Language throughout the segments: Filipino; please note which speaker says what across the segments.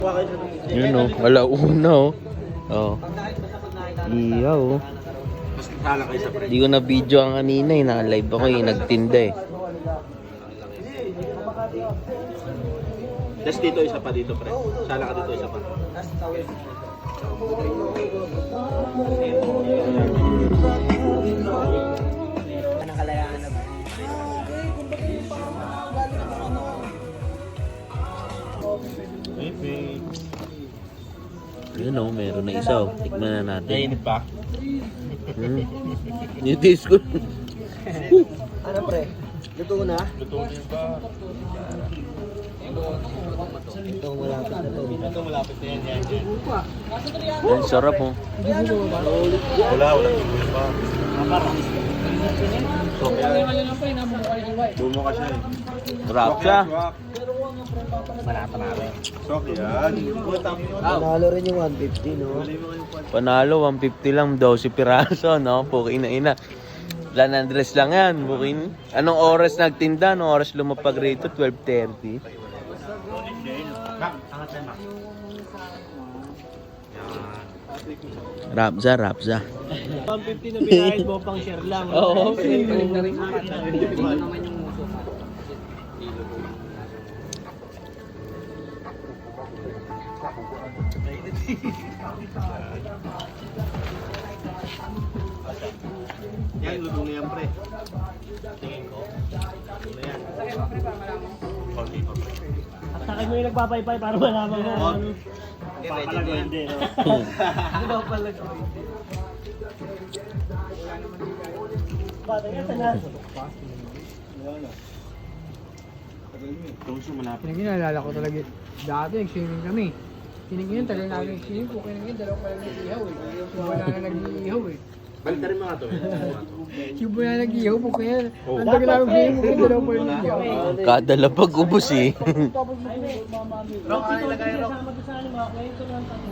Speaker 1: Yun o, alauna o. Oh. Iyaw o. Hindi ko na video ang kanina eh. Naka-live ako eh. Nagtinda eh.
Speaker 2: Tapos dito isa pa dito pre. Sala ka dito isa pa.
Speaker 1: Yun o, meron na isa o. Tikman na natin.
Speaker 2: Nainit pa?
Speaker 1: Nitis ko.
Speaker 3: Ano pre? Luto na?
Speaker 2: Luto niyo ba?
Speaker 3: Ito malapit na to.
Speaker 2: Ito malapit na yan.
Speaker 1: Ang sarap o.
Speaker 2: Wala tigil pa. Bumo ka siya eh.
Speaker 1: Sarap siya.
Speaker 2: Manata namin. Sok yan.
Speaker 3: Panalo rin yung 150, no?
Speaker 1: Panalo, 150 lang, 12 piraso, no? Pukin na ina. San Andres lang yan, bukin. Anong oras nagtinda? Anong oras lumapag rito? 12:30. Rapza, Rapza.
Speaker 3: 150 na binayad mo pang share lang.
Speaker 1: Oo.
Speaker 2: Yan, luto na yan pre. Tingin ko. Luto na yan. Konti pa pre.
Speaker 3: At sa akin mo yung nagpapaypay para malaman mo.
Speaker 2: Papalago hindi.
Speaker 3: Ano ba palago? Bata ka sa lahat.
Speaker 2: Tungso malapit.
Speaker 4: Pinagin, naalala ko talaga. Dati, nag-swimming kami. Pinagin, talaga namin nag-swimming po. Pinagin, dalawa pa lang nag-ihaw eh. Wala na nag-ihaw eh.
Speaker 2: Balik rin mga to.
Speaker 4: Yung wala nag-ihaw po kaya. Ang tagal namin swimming po kaya dalawa pa lang nag-ihaw.
Speaker 1: Kada lapag ubos eh.
Speaker 4: Tapos mamami.
Speaker 3: Pero kung ilagay rin. Kasama ko sa ano, kwento ng tato.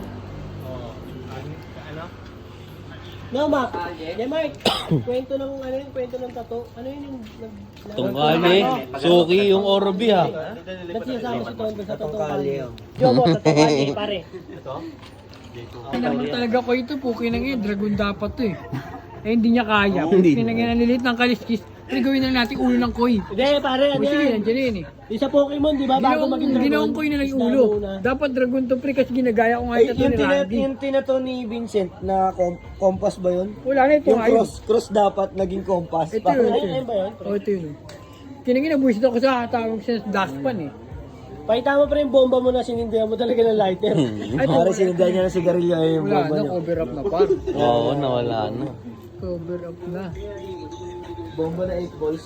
Speaker 2: Ano?
Speaker 3: No, Mac. Yeah, Mark. Kwento ng ano yung kwento ng tato. Ano yun yung
Speaker 1: Tungkali, suki yung Orobi ha.
Speaker 3: Ba't sinasama si Tondo sa tatong kali? Yo mo, tatong kali, pare.
Speaker 4: Ay naman talaga ko ito po. Kinagin, dragon dapat to eh. Eh hindi niya kaya.
Speaker 1: Hindi.
Speaker 4: Pinagin, nalilit ng kaliskis. Pero gawin na natin ulo ng koy.
Speaker 3: Hindi, pare, ano
Speaker 4: O sige,
Speaker 3: yan?
Speaker 4: nandiyan na yun eh.
Speaker 3: Yung sa Pokemon, di ba? Bago maging dragon.
Speaker 4: Ginaong koy na lang yung ulo. Dapat dragon to pre kasi ginagaya ko nga ito ni Randy.
Speaker 3: Yung tinato ni Vincent na compass ba yun?
Speaker 4: Wala na ito
Speaker 3: Yung
Speaker 4: ngayon.
Speaker 3: cross dapat naging compass.
Speaker 4: Ito yun.
Speaker 3: Ayun ba yun?
Speaker 4: O ito yun. Kinagin, nabuisit ako sa tawag siya sa dashpan eh.
Speaker 3: Pakita mo pa rin yung bomba mo na sinindihan mo talaga ng lighter.
Speaker 4: Ay,
Speaker 3: Pare sinindihan niya ng sigarilyo yung
Speaker 4: wala
Speaker 3: bomba
Speaker 4: na,
Speaker 3: niya.
Speaker 4: cover up na par.
Speaker 1: Oo, nawala na.
Speaker 4: Cover up na.
Speaker 3: Bomba na 8 balls.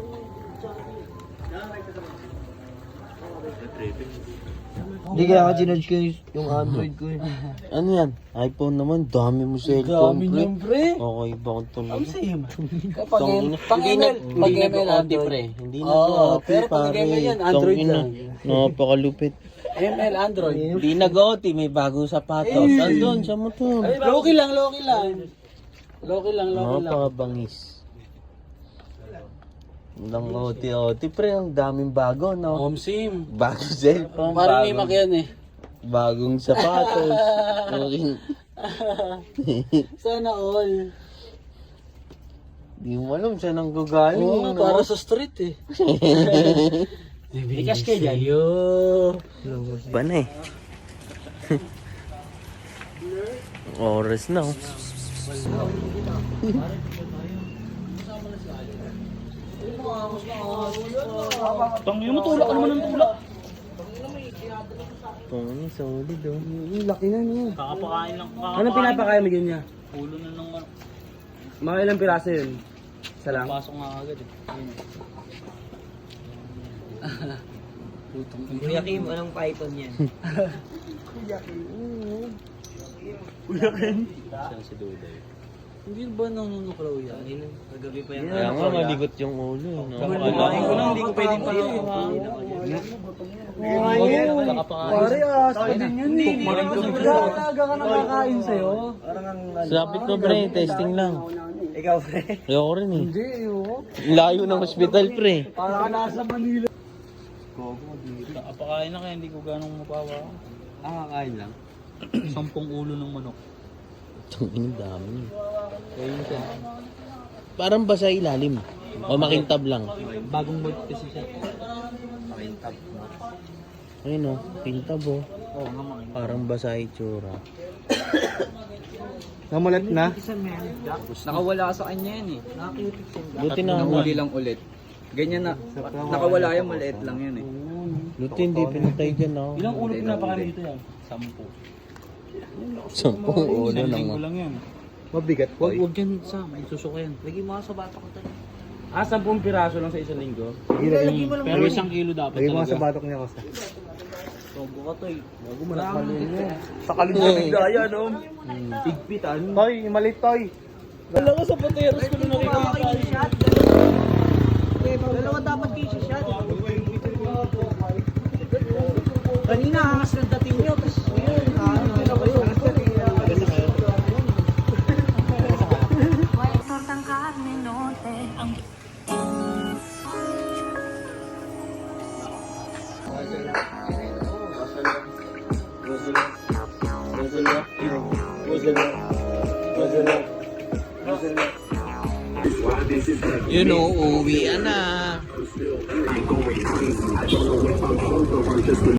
Speaker 3: Hindi kaya ako ginudge ko yung Android ko eh.
Speaker 1: Ano yan? iPhone naman, dami mo cellphone.
Speaker 3: Dami niyan, pre.
Speaker 1: Okay, bakit tuloy?
Speaker 3: Same.
Speaker 1: Hindi nag-OT pre. Hindi nag-OT
Speaker 3: pero pag
Speaker 1: pare.
Speaker 3: ML yan, Android
Speaker 1: Tangina.
Speaker 3: lang.
Speaker 1: Napakalupit.
Speaker 3: ML Android.
Speaker 1: Hindi nag-OT, may bagong sapatos. Andun sa motor.
Speaker 3: Loki lang, Loki lang. Loki lang, Loki lang.
Speaker 1: Napakabangis. Nang OT pre, ang daming bago, no?
Speaker 3: Home sim.
Speaker 1: Bagong cellphone,
Speaker 3: Parang may
Speaker 1: bagong,
Speaker 3: yan eh.
Speaker 1: bagong sapatos. Okay.
Speaker 3: Sana all.
Speaker 1: Di mo alam saan ang gagaling.
Speaker 3: Oo,
Speaker 1: no?
Speaker 3: para sa street eh. Bigas kayo dyan. Yo.
Speaker 1: Ba na eh. Oras na oh.
Speaker 3: Tangin mo, tulak ka naman ng tulak.
Speaker 1: Pangin, solid oh.
Speaker 3: Laki na niya.
Speaker 2: Kakapakain lang.
Speaker 3: Anong pinapakain mo niya?
Speaker 2: Ulo na ng ano.
Speaker 3: Mga ilang piraso yun? Isa lang?
Speaker 2: Pasok nga agad eh.
Speaker 3: Kuya Kim, anong python yan?
Speaker 1: Saan si Duday?
Speaker 3: Hindi ba nanunuklaw yan? Nagabi pa yan.
Speaker 1: Kaya nga maligot yung ulo. No?
Speaker 3: Kumain ko lang, hindi ko pwedeng paluin. Pare, sa din yun eh. Talaga ka nakakain sa'yo.
Speaker 1: Sapit ko pre, testing lang.
Speaker 3: Ikaw, pre.
Speaker 1: Ayoko rin eh.
Speaker 4: Hindi, ayoko.
Speaker 1: Layo ng hospital pre.
Speaker 4: Para ka nasa Manila.
Speaker 2: Kakapakain na kaya hindi ko ganong mapawa. Kakain lang. 10 ulo ng manok.
Speaker 1: Ang dami. Parang basa ilalim. O makintab lang.
Speaker 2: Bagong mold kasi siya. Makintab.
Speaker 1: Ayun o, kintab o.
Speaker 2: Oo nga makintab.
Speaker 1: Parang basa itsura.
Speaker 2: Namulat na?
Speaker 5: Nakawala sa kanya yan eh.
Speaker 1: Buti na
Speaker 5: Nahuli lang ulit. Ganyan na. Nakawala yan, maliit lang yan eh.
Speaker 1: Buti hindi pinatay dyan o.
Speaker 2: Ilang ulo pinapakain dito yan? 10.
Speaker 1: 10 ulo lang o.
Speaker 2: lang yan.
Speaker 5: Mabigat po.
Speaker 2: Huwag yan sa may susuka yan.
Speaker 5: Lagi mo sa bata ko tayo.
Speaker 2: 10 piraso lang sa isang linggo.
Speaker 5: Lagi mo lang.
Speaker 2: Pero 1 kilo dapat talaga.
Speaker 5: batok niya kasi.
Speaker 2: Tombo ka to eh.
Speaker 5: Bago mo nakalun mo.
Speaker 2: Sakalin sa bigdaya no? Tigpitan.
Speaker 5: Toy, malit toy.
Speaker 3: Wala ko sa pateros ko na nakikita.
Speaker 5: Dalawa dapat kayo shot. Kanina angas ng dating nyo. Tapos yun, ano kayo.
Speaker 6: Tortang carne norte, ang
Speaker 1: You know, uwi na.